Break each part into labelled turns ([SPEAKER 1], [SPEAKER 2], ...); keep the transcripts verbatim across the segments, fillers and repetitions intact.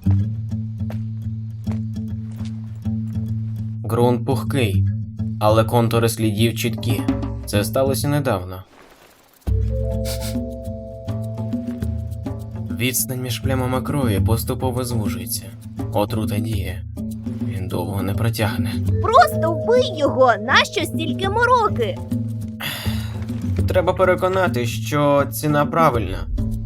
[SPEAKER 1] Ґрунт пухкий, але контури слідів чіткі. Це сталося недавно. Відстань між плямами крові поступово звужується. Отрута діє. Він довго не протягне.
[SPEAKER 2] Просто вбий його! Нащо стільки мороки?
[SPEAKER 1] Треба переконати, що ціна правильна.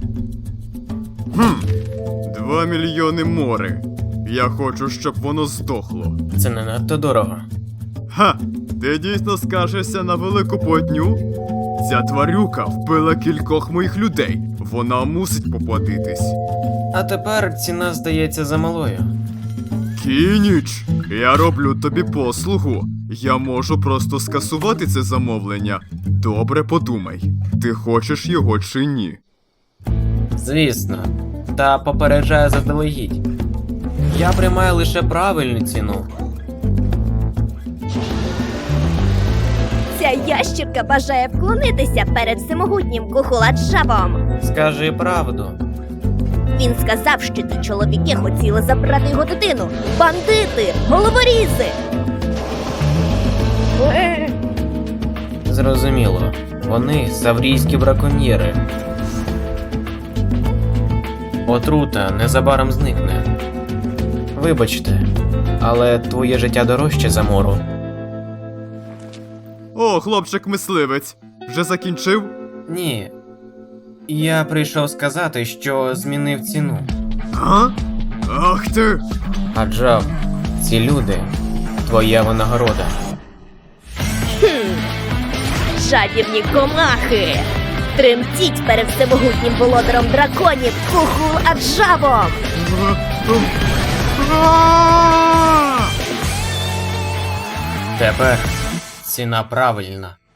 [SPEAKER 3] Хм, два мільйони мори. Я хочу, щоб воно здохло.
[SPEAKER 1] Це не надто дорого.
[SPEAKER 3] Ха! Ти дійсно скаржишся на велику платню? Ця тварюка вбила кількох моїх людей. Вона мусить поплатитись.
[SPEAKER 1] А тепер ціна здається замалою.
[SPEAKER 3] Кініч, я роблю тобі послугу. Я можу просто скасувати це замовлення. Добре подумай, ти хочеш його чи ні?
[SPEAKER 1] Звісно. Та попереджаю заздалегідь. Я приймаю лише правильну ціну.
[SPEAKER 2] Ця ящірка бажає вклонитися перед всемогутнім Кухуладжавом.
[SPEAKER 1] Скажи правду.
[SPEAKER 2] Він сказав, що ті чоловіки хотіли забрати його дитину. Бандити! Головорізи!
[SPEAKER 1] Зрозуміло. Вони саврійські браконьєри. Отрута незабаром зникне. Вибачте, але твоє життя дорожче за мору.
[SPEAKER 3] О, хлопчик-мисливець, вже закінчив?
[SPEAKER 1] Ні. Я прийшов сказати, що змінив ціну.
[SPEAKER 3] А? Ах ти!
[SPEAKER 1] Аджав, ці люди – твоя винагорода.
[SPEAKER 2] Хм. Жадібні комахи! Тремтіть перед всемогутнім володаром драконів Кухуладжавом!
[SPEAKER 3] А!
[SPEAKER 1] Тепер ціна правильна.